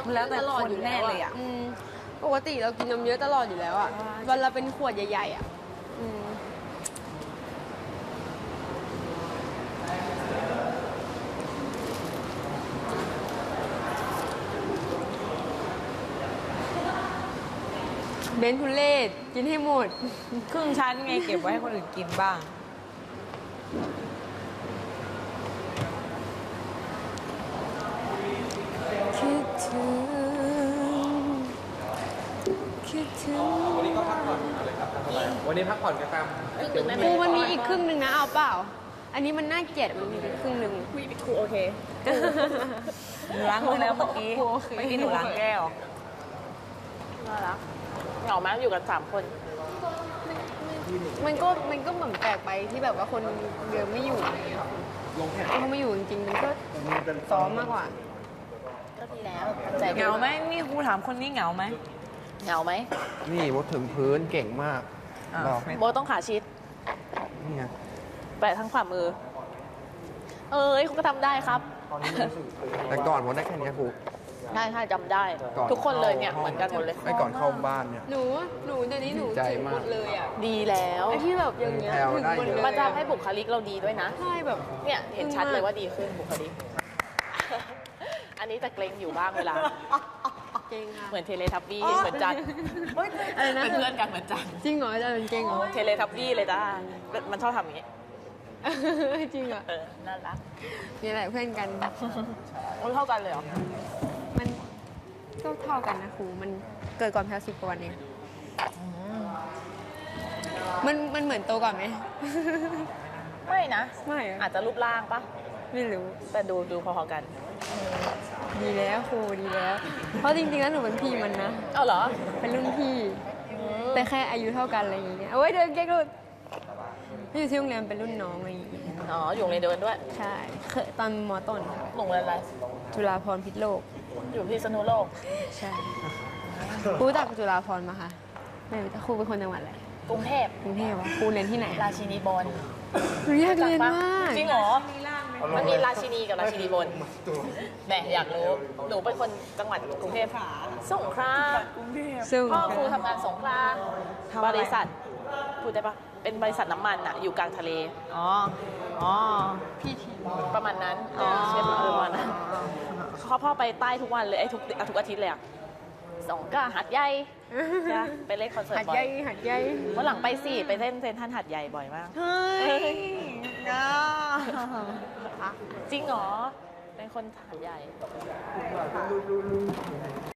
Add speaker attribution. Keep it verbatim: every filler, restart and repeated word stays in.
Speaker 1: มันแล้วแต่คนแน่เลยอ่ะ
Speaker 2: ปกติเรากินนมเยอะตลอดอยู่แล้วอ่ะวันละเป็นขวดใหญ่ๆอ่ะเบนทุเล่กินให้หมด
Speaker 1: ครึ่งชั้นไงเก็บไว้ให้คนอื่นกินบ้าง
Speaker 2: คิดถึงคิดถึง
Speaker 3: วันนี้ก็พักผ่อนเลยครับวันนี้พักผ่อนกันตาม
Speaker 2: ครูมันมีอีกครึ่งหนึ่งนะเอาเปล่าอันนี้มันน่าเกลียดมันมีอีกครึ่งหนึ่ง
Speaker 1: คุยครูโอเคหนูล้างมือแล้วเมื่อกี้เมื่อกี้หนูล้างแก้ว
Speaker 4: น่ารักเหงาไหมอยู่กันสามคน
Speaker 2: มันก็มันก็เหมือนแปลกไปที่แบบว่าคนเดิมไม่อยู่อะไรเงี้ยเขาไม่อยู่จริงๆมันก็ซ้อมมากกว่า
Speaker 4: ก็ดีแล้ว
Speaker 1: เหงาไหมนี่ครูถามคนนี้เหงาไหม
Speaker 4: เหงาไหม
Speaker 3: นี่วดถึงพื้นเก่งมาก
Speaker 4: โบต้องขาชิด
Speaker 3: นี่ไง
Speaker 4: แปะทั้งฝ่ามือเอ้ยเขาก็ทำได้ครับ
Speaker 3: แต่ก่อนวดได้แค่นี้ครู
Speaker 4: ได้ใช่จำได้ทุกคนเลยเนี่ยเหมือนกันหมดเลย
Speaker 3: ไม่ก่อนเข้าบ้านเนี่ย
Speaker 2: หนูหนูเดี๋ยวนี้หนูถึงหมดเลยอ่ะ
Speaker 4: ดีแล้ว
Speaker 2: ไอ้ที่แบบอย่างเงี้ยถึงหมดเลย
Speaker 4: มันจะให้บุคลิกเราดีด้วยนะ
Speaker 2: ใช่แบบ
Speaker 4: เนี่ยเห็นชัดเลยว่าดีขึ้นบุคลิกอันนี้จะเกรงอยู่บ้างเวลา
Speaker 2: เก่งค่ะ
Speaker 4: เหมือนเทเลทับบี้เหมือนจันเป็นเพื่อนกันเหมือนจัน
Speaker 2: จริงเหรอจะเป็นเก่งเหรอ
Speaker 4: เทเลทับบี้เลยจ้ามันชอบทำอย่างนี้
Speaker 2: จริงเหรอ
Speaker 4: เออน่ารัก
Speaker 2: นี่แหละเพื่อนกัน
Speaker 4: มันเท่ากันเลยเหรอ
Speaker 2: มันก็เท่ากันนะครูมันเกิดก่อนแพลสิบกว่าวันเองมันมันเหมือนโตก่อนไหม
Speaker 4: ไม่นะ
Speaker 2: ไม่
Speaker 4: อาจจะรูปร่างปะ
Speaker 2: ไม่รู้
Speaker 4: แต่ดูดูพอๆกัน
Speaker 2: ดีแล้วครูดีแล้วเพราะจริงๆแล้วหนูเป็นพี่มันนะ
Speaker 4: เอาเหรอ
Speaker 2: เป็นรุ่นพี่แต่แค่อายุเท่ากันอะไรอย่างเงี้ยเอาไว้เดินเก๊กรุ่นอยู่ที่โรงเรียนเป็นรุ่นน้องอะไรอย่างเงี้ย
Speaker 4: อ๋ออยู่โรงเรียนเดินด้วย
Speaker 2: ใช่เคยตอนม.ต้น
Speaker 4: โรงเรียนอะไร
Speaker 2: จุฬาภรณ์พิษโลก
Speaker 4: อยู่พิษณุโลก
Speaker 2: ใช่ครูรู้จักจุฬาภรณ์มาค่ะไม่รู้จักครูเป็นคนจังหวัดอะไร
Speaker 4: กรุงเทพ
Speaker 2: กรุงเทพวะครูเรียนที่ไหน
Speaker 4: ราชินีบน
Speaker 2: หนูอยากเรียนมาก
Speaker 4: จริงเหรอมันมีราชินีกับราชินีบนแหมอยากรู้หนูเป็นคนจังหวัดกรุงเทพสงขลาพ่อครูทำงานสงขลาบริษัทพูดได้ปะเป็นบริษัทน้ำมันอะอยู่กลางทะเล
Speaker 1: อ๋ออ๋อ
Speaker 2: พี่ที
Speaker 4: ประมาณนั้นเชฟประมาณนั้นเขาพ่อไปใต้ทุกวันเลยไอ้ทุกทุกอาทิตย์เลยอะสองก็หัดใหญ่จ้ะไปเล่นคอนเสิร์ตบ่อย
Speaker 2: หัดใหญ่หัดใหญ่
Speaker 4: วันหลังไปสิไปเล่นเซนทรัลหัดใหญ่บ่อยมาก
Speaker 2: เฮ้ย
Speaker 4: จริงเหรอเป็นคนหัดใหญ่